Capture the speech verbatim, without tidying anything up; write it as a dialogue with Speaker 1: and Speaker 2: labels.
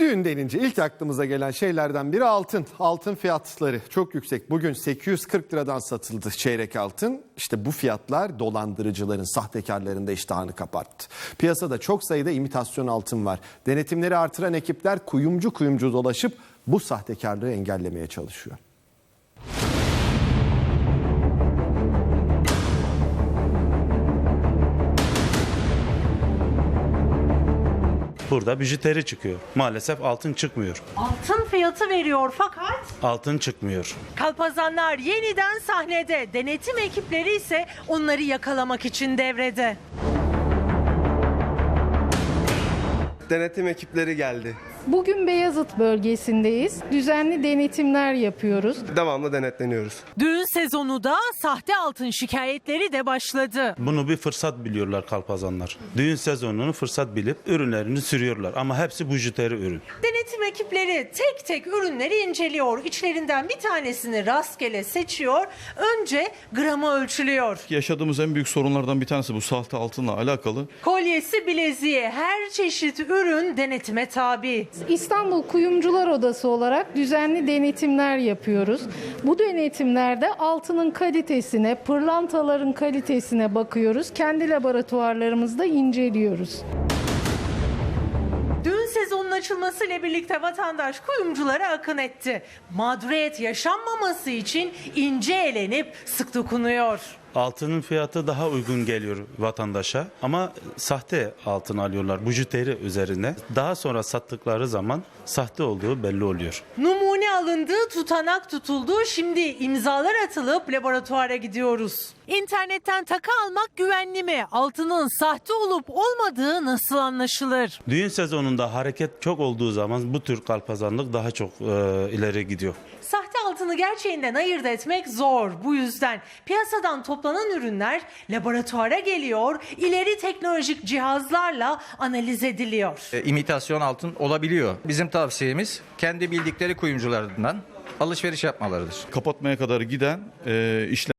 Speaker 1: Düğün denince ilk aklımıza gelen şeylerden biri altın. Altın fiyatları çok yüksek. Bugün sekiz yüz kırk liradan satıldı çeyrek altın. İşte bu fiyatlar dolandırıcıların, sahtekarların da iştahını kapattı. Piyasada çok sayıda imitasyon altın var. Denetimleri artıran ekipler kuyumcu kuyumcu dolaşıp bu sahtekarlığı engellemeye çalışıyor.
Speaker 2: Burada bijuteri çıkıyor. Maalesef altın çıkmıyor.
Speaker 3: Altın fiyatı veriyor fakat
Speaker 2: Altın çıkmıyor.
Speaker 3: kalpazanlar yeniden sahnede. Denetim ekipleri ise onları yakalamak için devrede.
Speaker 4: Denetim ekipleri geldi.
Speaker 5: Bugün Beyazıt bölgesindeyiz. Düzenli denetimler yapıyoruz.
Speaker 4: Devamlı denetleniyoruz.
Speaker 3: Düğün sezonu da sahte altın şikayetleri de başladı.
Speaker 2: Bunu bir fırsat biliyorlar kalpazanlar. Düğün sezonunu fırsat bilip ürünlerini sürüyorlar. Ama hepsi bijuteri ürün.
Speaker 3: Denetim ekipleri tek tek ürünleri inceliyor. İçlerinden bir tanesini rastgele seçiyor. Önce gramı ölçülüyor.
Speaker 6: Yaşadığımız en büyük sorunlardan bir tanesi bu sahte altınla alakalı.
Speaker 3: Kolyesi, bileziği, her çeşit ürün denetime tabi.
Speaker 5: İstanbul Kuyumcular Odası olarak düzenli denetimler yapıyoruz. Bu denetimlerde altının kalitesine, pırlantaların kalitesine bakıyoruz. Kendi laboratuvarlarımızda inceliyoruz.
Speaker 3: Düğün sezonunun açılmasıyla birlikte vatandaş kuyumculara akın etti. Mağduriyet yaşanmaması için ince elenip sık dokunuyor.
Speaker 2: Altının fiyatı daha uygun geliyor vatandaşa ama sahte altın alıyorlar bijuteri üzerine. Daha sonra sattıkları zaman sahte olduğu belli oluyor.
Speaker 3: Numune alındı, tutanak tutuldu. Şimdi imzalar atılıp laboratuvara gidiyoruz. İnternetten takı almak güvenli mi? Altının sahte olup olmadığı nasıl anlaşılır?
Speaker 2: Düğün sezonunda hareket çok olduğu zaman bu tür kalpazanlık daha çok e, ileri gidiyor.
Speaker 3: Sahte altını gerçeğinden ayırt etmek zor. Bu yüzden piyasadan toplanan ürünler laboratuvara geliyor, ileri teknolojik cihazlarla analiz ediliyor.
Speaker 7: E, imitasyon altın olabiliyor. Bizim tavsiyemiz kendi bildikleri kuyumcularından alışveriş yapmalarıdır.
Speaker 6: Kapatmaya kadar giden e, işlem